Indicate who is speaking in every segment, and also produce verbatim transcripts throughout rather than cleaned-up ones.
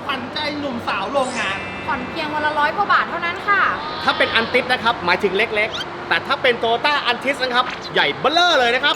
Speaker 1: ขวัญใจหนุ่มสาวโรงงาน
Speaker 2: ผ่อนเพียงวันละร้อยกว่าบาทเท่านั้นค่ะ
Speaker 3: ถ้าเป็นอันติสนะครับหมายถึงเล็กๆแต่ถ้าเป็นโตโยต้าอันติสนะครับใหญ่เบ้อเร่อเลยนะครับ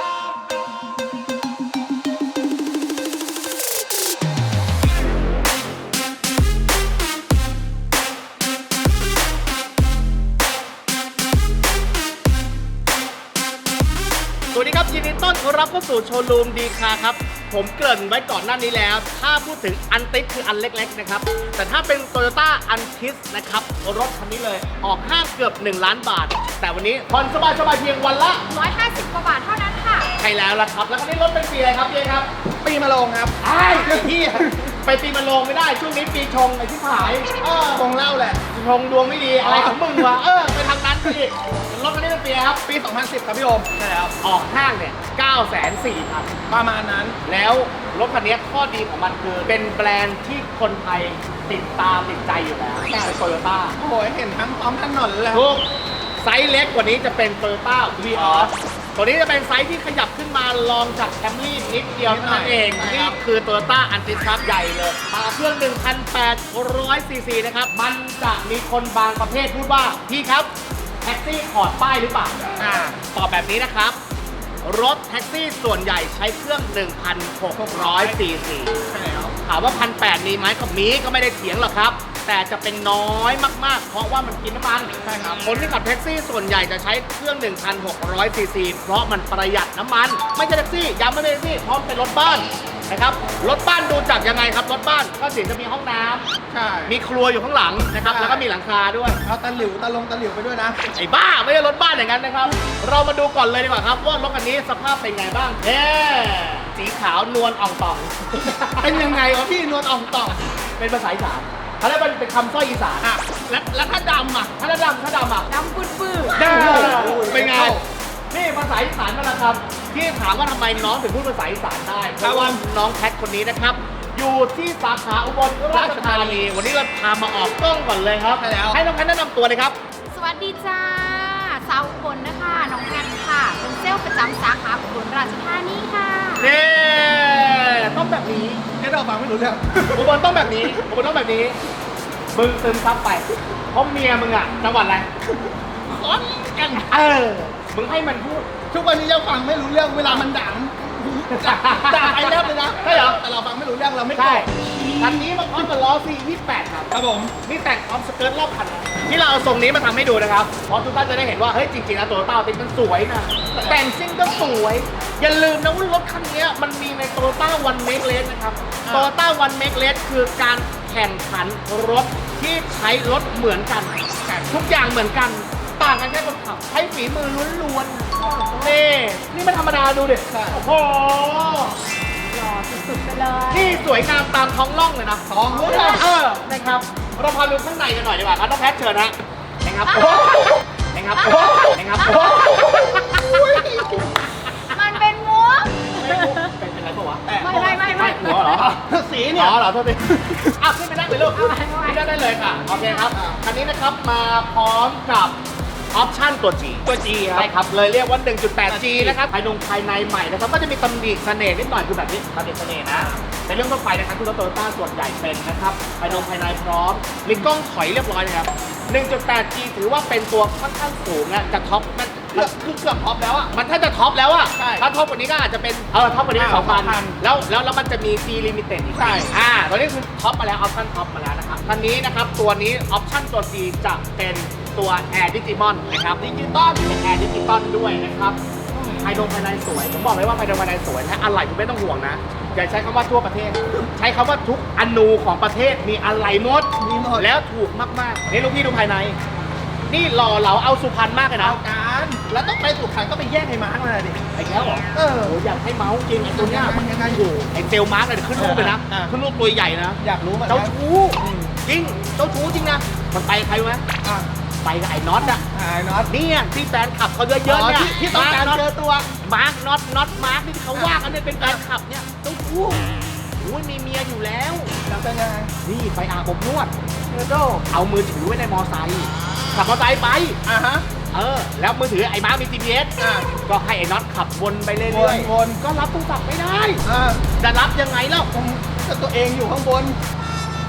Speaker 3: สวัสดีครับยินดีต้อนรับเข้าสู่โชว์รูมดีคาร์ครับผมเกริ่นไว้ก่อนหน้านี้แล้วถ้าพูดถึงอันติสคืออันเล็กๆนะครับแต่ถ้าเป็น Toyota อันติสนะครับรถคันนี้เลยออกห้างเกือบหนึ่งล้านบาทแต่วันนี้ผ่อนสบายๆเพียงวันละ
Speaker 2: ร้อยห้าสิบกว่าบาทเท่านั้นค่ะ
Speaker 3: ใช่แล้วล่ะครับแล้วคันนี้รถเป็นปีอะไรครับเจ๊ครับ
Speaker 1: ปีมะโรงครับ
Speaker 3: ไอ้ที่ไปปีมะโรงไม่ได้ช่วงนี้ปีชงไอ้ที่ขายเออ
Speaker 1: คงเล่าแหละ
Speaker 3: ชงดวงไม่ดีอะไรของมึงวะเออไปทางนั้นสิรถคันนี้เป็นปีครับ
Speaker 1: ปีสองพันสิบครับพี่โอม
Speaker 3: ใช่แล้วออกห้างเนี่ย เก้าแสนสี่พัน
Speaker 1: ประมาณนั้น
Speaker 3: แล้วรถคันนี้ข้อดีของมันคือเป็นแบรนด์ที่คนไทยติดตามติดใจอยู่แล้วเป็นโตโยต้า
Speaker 1: โอ้ยเห็นทั้งท้องถนนเลย
Speaker 3: ทุกไซส์เล็กกว่านี้จะเป็น Toyota Vios ตัวนี้จะเป็นไซส์ที่ขยับขึ้นมาลองจาก Camry นิดเดียวเท่านั้นเองนี่คือ Toyota Altis ครับใหญ่เลยมาเครื่อง หนึ่งพันแปดร้อย ซี ซี นะครับมันจะมีคนบางประเภทพูดว่าพี่ครับแท็กซี่ถอดป้ายหรือเปล่าอ่าตอบแบบนี้นะครับรถแท็กซี่ส่วนใหญ่ใช้เครื่อง หนึ่งพันหกร้อย ซี ซี
Speaker 1: ใช่แล้ว
Speaker 3: ถามว่า หนึ่งพันแปดร้อย มีไหมก็มีก็ไม่ได้เถียงหรอกครับแต่จะเป็นน้อยมากๆเพราะว่ามันกินน้ำมัน
Speaker 1: ใช่ครับ
Speaker 3: คนที่ขับแท็กซี่ส่วนใหญ่จะใช้เครื่อง หนึ่งพันหกร้อย ซี ซี เพราะมันประหยัดน้ำมันไม่ใช่แท็กซี่ย้ำไม่ใช่แท็กซี่เพราะเป็นรถบ้านนะครับรถบ้านดูจากยังไงครับรถบ้านก็สิจะมีห้องน้ำ
Speaker 1: ใช่
Speaker 3: มีครัวอยู่ข้างหลังนะครับแล้วก็มีหลังคาด้วย
Speaker 1: เอาตะหลิวตะลงตะหลิวไปด้วยนะ
Speaker 3: ไอ้บ้าไม่ใช่รถบ้านอย่างนั้นนะครับเรามาดูก่อนเลยดีกว่าครับว่ารถคันนี้สภาพเป็นไงบ้างเน่สีขาวนวลอ่องต่อง
Speaker 1: เป็นยังไงวะพี่นวลอ่องต่อง
Speaker 3: เป็นภาษาอีสานเขาเรียกว่าเป็นคำสร้อยอีสาน
Speaker 1: อ่ะแล้วแล้วถ้าดำอ่ะ
Speaker 3: ถ้าดำถ้าดำอ่ะ
Speaker 2: ดำปื้ดปื้ด
Speaker 3: เป็นไงนี่ภาษาอีสานมาแล้วครับที่ถามว่าทำไมน้องถึงพูดภาษาอีสานได้เพราะว่าน้องแพทคนนี้นะครับอยู่ที่สาขาอุบลราชธานีวันนี้เราพามาออกกล้องก่อนเลยครับให้น้องแพทแนะนำตัวเลยครับ
Speaker 2: สวัสดีจ้าสาวอุบลนะคะน้องแพทค่ะเป็นเซลล์ประจำสาขาอุบลราชธานีค่ะ
Speaker 3: นี่ต้องแบบนี้
Speaker 1: แค่เราฟังไม่รู้เรื่อง
Speaker 3: อุบลต้องแบบนี้อุบลต้องแบบนี้มึงซึมซับไปเพราะเมียมึงอ่ะจังหวัดอะไร
Speaker 1: ขอนแก่น
Speaker 3: เออมึงให้มันพูด
Speaker 1: ทุกวันนี้เราฟังไม่รู้เรื่องเวลามันด่าด่าไอ้เลิฟเลยนะ
Speaker 3: ใช่เหรอ
Speaker 1: แต่เราฟังไม่รู้เรื่องเราไม่
Speaker 3: ใช่คันนี้มันพร้อมกับล้อ ซี ยี่สิบแปด ครับ
Speaker 1: ครับผม
Speaker 3: นี่แต่งพร้อมสเกิร์ตรอบคันที่เราเอาทรงนี้มาทำให้ดูนะครับเพราะทุกท่านจะได้เห็นว่าเฮ้ยจริงๆแล้วตัวเต้าติ๊กมันสวยนะแต่งซิ่งก็สวยอย่าลืมนะว่ารถคันนี้มันมีใน Toyota One Make Race นะครับ Toyota One Make Race คือการแข่งขันรถที่ใช้รถเหมือนกันทุกอย่างเหมือนกันต่างกันแค่คนขับใช้ฝีมือล้วนๆนี่นี่ไม่ธรรมดาดูดิโอ้โห
Speaker 2: หล่อสุดๆไปเลย
Speaker 3: นี่สวยงามตามท้องร่องเลยนะ
Speaker 1: ท้องร่อง
Speaker 3: เออนะครับเราพาดูข้างในกันหน่อยดีกว่าครับน้องแพทเชิญนะนะครับนะครับนะครับ
Speaker 2: มันเป็นมุก
Speaker 3: เป็นเป็นอะไรปะวะ
Speaker 2: ไม่ไม่ไม่ไม่
Speaker 3: หัวเหรอ
Speaker 1: สีเนี่ย
Speaker 3: อ๋อเหรอโทษทีอ่ะขึ้นไปนั่งเลยลูกขึ้นได้ได้เลยค่ะโอเคครับคันนี้นะครับมาพร้อมกับออปชั่นตัว G
Speaker 1: ตัว G ครับ
Speaker 3: ใช่ครับเลยเรียกว่า หนึ่งจุดแปด จี นะครับภายในภายในใหม่นะครับก็จะมีตำหนิเสน่ห์นิดหน่อยคือแบบนี้ตำหนิเสน่ห์นะในเรื่องทั่วไปนะครับที่รถโตโยต้าส่วนใหญ่เป็นนะครับภายในภายในพร้อมมีกล้องถอยเรียบร้อยนะครับ หนึ่งจุดแปด จี ถือว่าเป็นตัวค่อนข้างสูงนะจะท็อปมัน
Speaker 1: คือเกือบท็อปแล้วอ่ะ
Speaker 3: มันถ้าจะท็อปแล้วอ่ะ
Speaker 1: ใช่
Speaker 3: ถ้าท็อปกว่านี้ก็อาจจะเป็นเออท็อปกว่านี้สองพันแล้วแล้วแล้วมันจะมี C Limited อีกใช่อ่าตอนนี้คือท็อปมาแล้วออปชั่นท็อปมาแล้วนะครับคันนี้นะครับตัวนี้ออปชั่นตัว C จะเป็นตัว Air Digimon นะครับดิจิตอลเป็น Air Digimon ด้วยนะครับภายในภายในสวยผมบอกเลยว่าภายในภายในสวยนะอะไรคุณไม่ต้องห่วงนะอย่าใช้คำว่าทั่วประเทศใช้คำว่าทุกอนูของประเทศมีอะไรหมด
Speaker 1: มีหมด
Speaker 3: แล้วถูกมากๆนี่ลูกพี่ดูภายในนี่หล่อเหลาเอาสุพรรณมากเลยนะ
Speaker 1: การแล้วต้องไปสุพรรณก็ไปแย่งไอ้มาร์กมาดิ
Speaker 3: ไอ้แล้วเหรอ
Speaker 1: เออ
Speaker 3: อยากให้เมาส์จริงไอ้ตัวเนี้ยมันยังไงอยู่ไอ้เซลมาร์กเลยขึ้นรูปเลยนะขึ้นรูปตัวใหญ่นะ
Speaker 1: อยากรู้มัน
Speaker 3: เจ้าชู้จริงเจ้าชู้จริงนะมันไปใครไหมไปกับไอ้น็อตอะ
Speaker 1: ไอ้น็อต
Speaker 3: นี่ที่แฟนขับเขาเยอะๆเนี่ย
Speaker 1: ที่ต้องการเจอตัว
Speaker 3: มาร์กน็อตน็อตมาร์กที่เขาว่ากันเนี่ยเป็นแฟนขับเนี่ยเจ้าชู้โอ้ยมีเมียอยู่แล้ว
Speaker 1: แล้วเป็นยังไง
Speaker 3: นี่ไปอาบอบนวดเออโดเอามือถือไว้ในมอไซค์ขับมอไซค์ไป
Speaker 1: อ่ะฮะ
Speaker 3: เออแล้วมือถือไอ้มาร์กมี จี พี เอส
Speaker 1: อ่ะ
Speaker 3: ก็ให้ไอ้น็อตขับวนไปเรื่อย
Speaker 1: ๆ
Speaker 3: ก็รับโทรศัพท์ไม่ได้
Speaker 1: อ่ะ
Speaker 3: จะรับยังไงแล้ว
Speaker 1: ก็ตัวเองอยู่ข้างบน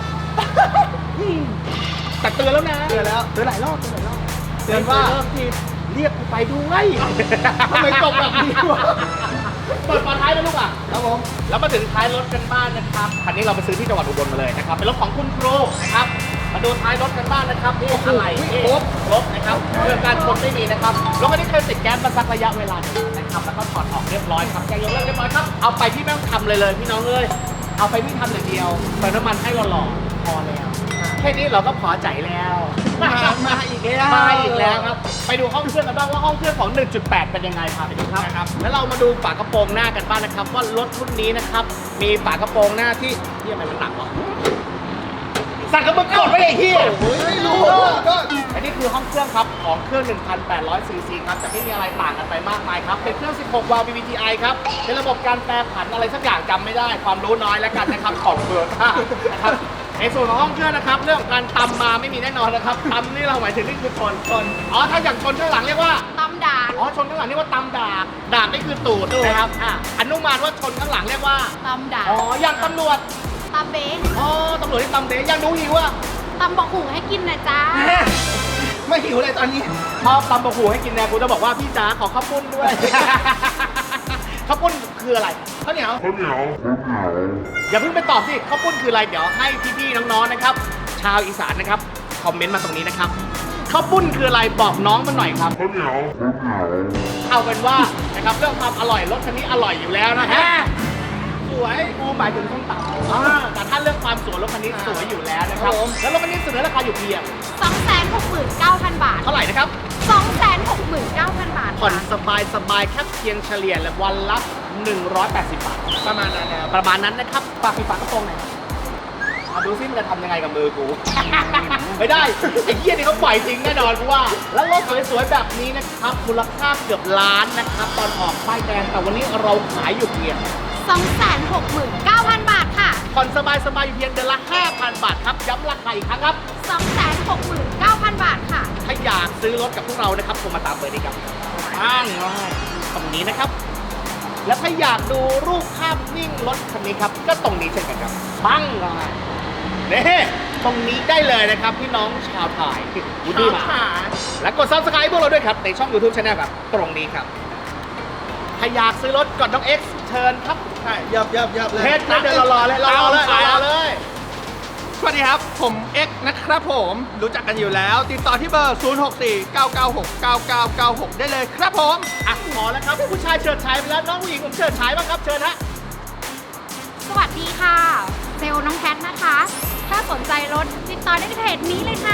Speaker 3: แต่เตือนแล้วนะ
Speaker 1: เตือนแล้ว
Speaker 3: เตือนหลายรอบเตือนหลายรอบ
Speaker 1: เตือนว่า
Speaker 3: เริ่มทีเรียกกูไปด้วย
Speaker 1: ทำไมจบแบบนี้วะ
Speaker 3: เปิดฝาท้ายนะลูกอ่ะ
Speaker 1: ครับผม
Speaker 3: แล้วมาถึงท้ายรถกันบ้านนะครับคันนี้เราไปซื้อที่จังหวัดอุบลมาเลยนะครับเป็นรถของคุณครูนะครับมาดูท้ายรถกันบ้านนะครับนี่อะไรนี่ครบครบนะครับเรื่องการชนไม่มีนะครับรถคันนี้เคยติดแก๊สมาสักระยะเวลาหนึงนะครับแล้วก็ถอดออกเรียบร้อยครับแกยกเลิกเรียบร้อยครับเอาไปพี่ไม่ต้องทำเลยเลยพี่น้องเอ้ยเอาไปพี่ทำอย่างเดียวเติมน้ำมันให้หล่อๆพอแล้วแค่นี้เราก็พอใจแล้ว
Speaker 1: มามาอีกแล้ว
Speaker 3: มาอีกแล้วครับไปดูห้องเครื่องกันบ้างว่าห้องเครื่องของ หนึ่งจุดแปด เป็นยังไงพาไปดูครับนะครับแล้วเรามาดูฝากระโปรงหน้ากันบ้างนะครับว่ารถรุ่นนี้นะครับมีฝากระโปรงหน้าที่ที่อะไรมันหนักวะสั่งกับมึงกดไว้ไอ้เหี้ย
Speaker 1: โอ้ยไม่รู้ก็
Speaker 3: อันนี้คือห้องเครื่องครับของเครื่อง หนึ่งพันแปดร้อย ซี ซี ครับแต่ไม่มีอะไรต่างกันไปมากมายครับเป็นเครื่อง สิบหก วาล์ว วี วี ที ไอ ครับเป็นระบบการแปรผันอะไรสักอย่างจำไม่ได้ความรู้น้อยแล้วกันนะครับของเบอร์ท่านะครับในส่วนของห้องเครื่องนะครับเรื่องของการตำมาไม่มีแน่นอนนะครับตำนี่เราหมายถึงนี่คือชนชนอ๋อถ้าอย่างชนข้างหลังเรียกว่า
Speaker 2: ตำด่าง
Speaker 3: อ๋อชนข้างหลังเรียกว่าตำดาบดาบนี่คือตูดนะครับอ่ะอนุมานว่าชนข้างหลังเรียกว่า
Speaker 2: ตำด่าง
Speaker 3: อ๋ออย่างตำรวจ
Speaker 2: ตำเบ๊ะ
Speaker 3: อ๋อตำรวจที่ตำเดยังรู้หิวอ่ะ
Speaker 2: ตำบอกหูให้กินนะจ๊ะ
Speaker 1: ไม่หิวเลยตอนนี้
Speaker 3: ชอบตำบะหูให้กินแน่กูจะบอกว่าพี่จ๋าขอข้าวปุ้นด้วย ข้าวปุ้นคืออะไรข้าวเหนียวข้าวเหนียวอย่าเพิ่งไปตอบสิข้าวปุ้นคืออะไรเดี๋ยวให้พี่ๆน้องๆนะครับ ชาวอีสานนะครับคอมเมนต์มาตรงนี้นะครับข้าวปุ้นคืออะไรบอกน้องมาหน่อยครับข้าวเหนียวเอาเป็นว่านะครับเรื่องความอร่อยรถคันนี้อร่อยอยู่แล้วนะฮะสวยกูหมายถึงส้มตำอ่าแต่ถ้าเรื่องความสวยรถคันนี้สวยอยู่แล้วนะครับแล้วรถคันนี้เสนอราคาอยู่เพียง
Speaker 2: สองแสนหกหมื่นเก้าพัน บาท
Speaker 3: เท่าไหร่นะครับ
Speaker 2: สองแสนหกหมื่นเก้าพัน บาท
Speaker 3: ผ่อน
Speaker 2: ค่ะ
Speaker 3: สบายสบายๆแค่เพียงเฉลี่ยละวันละหนึ่งร้อยแปดสิบบาท
Speaker 1: ประมาณนั้นนะครับ
Speaker 3: ประมาณนั้นนะครับฝากมีฝากกระโปรงหน่อยมาดูซิมันจะทำยังไงกับมือกู ไม่ได้ไอ้เหี้ยนี่เขาปล่อยจริงแน่นอนกูว่า แล้วรถสวยๆแบบนี้นะครับมูลค่าเกือบล้านนะครับ ตอนออกป้ายแดงแต่วันนี้เราขายอยู่เพียง
Speaker 2: สองแสนหกหมื่นเก้าพัน บาทค่ะ
Speaker 3: ผ่อนสบายสบายๆอยู่เพียงเดือนละ ห้าพัน บาทครับย้ำราคาอีกครั้งครับ
Speaker 2: สองแสนหกหมื่นเก้าพัน บาทค่ะ
Speaker 3: ถ้าอยากซื้อรถกับพวกเรานะครับโทรมาตามเบอร์นี้ครับอ้างง่ายตรงนี้นะครับ แล้วถ้าอยากดูรูปภาพนิ่งรถคันนี้ครับ ก็ตรงนี้เช่นกันครับปังง่ายนี่ตรงนี้ได้เลยนะครับพี่น้องชาวไทยวูดดี้มาและกด ซับสไครบ์ พวกเราด้วยครับ ในช่อง ยูทูบ Channel ครับ ตรงนี้ครับ ถ้าอยากซื้อรถกดน้อง X เชิญครับ
Speaker 1: ใช่ยับยับยับเลย
Speaker 3: เฮ็ดนะเดินรอๆเลยรอๆเลยรอๆเลย
Speaker 1: สวัสดีครับ ผมเอ็กซ์นะครับผม รู้จักกันอยู่แล้ว ติดต่อที่เบอร์ ศูนย์ หก สี่ เก้า เก้า หก เก้า เก้า เก้า หก ได้เลยครับผม
Speaker 3: อ่ะพอแล้วครับผู้ชายเฉิดฉายไปแล้วน้องผู้หญิงผมเฉิดฉายบ้างครับเชิญฮะ
Speaker 2: สวัสดีค่ะ เซลล์น้องแพทนะคะ ถ้าสนใจรถติดต่อได้ที่เพจนี้เลยค่ะ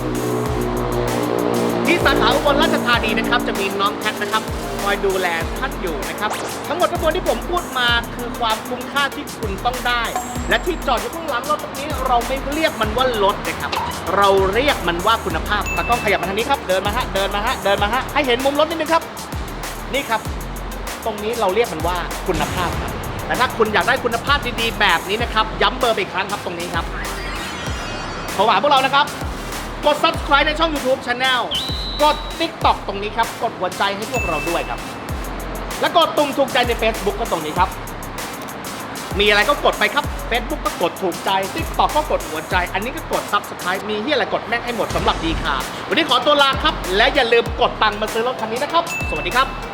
Speaker 3: ที่สาขาอุบลราชธานีนะครับจะมีน้องแคทนะครับคอยดูแลท่านอยู่นะครับทั้งหมดทั้งมวลที่ผมพูดมาคือความคุ้มค่าที่คุณต้องได้ และที่จอดอยู่ข้างหลังรถตรงนี้เราไม่เรียกมันว่ารถนะครับ เราเรียกมันว่าคุณภาพตากล้องขยับมาทางนี้ครับเดินมาฮะเดินมาฮะเดินมาฮะให้เห็นมุมรถนิดนึงครับนี่ครับ ตรงนี้เราเรียกมันว่าคุณภาพครับแต่ถ้าคุณอยากได้คุณภาพดีๆแบบนี้นะครับย้ำเบอร์ไปอีกครั้งครับตรงนี้ครับโทรหาพวกเรานะครับ กด ซับสไครบ์ ในช่อง ยูทูบ Channel กด ติ๊กต็อก ตรงนี้ครับ กดหัวใจให้พวกเราด้วยครับ และกดตุ่มถูกใจใน Facebook ก็ตรงนี้ครับ มีอะไรก็กดไปครับ Facebook ก็กดถูกใจ ติ๊กต็อก ก็กดหัวใจ อันนี้ก็กด ซับสไครบ์ มีที่อะไรกดแม่งให้หมดสำหรับดีค่ะ วันนี้ขอตัวลาครับ และอย่าลืมกดตังค์มาซื้อรถคันนี้นะครับ สวัสดีครับ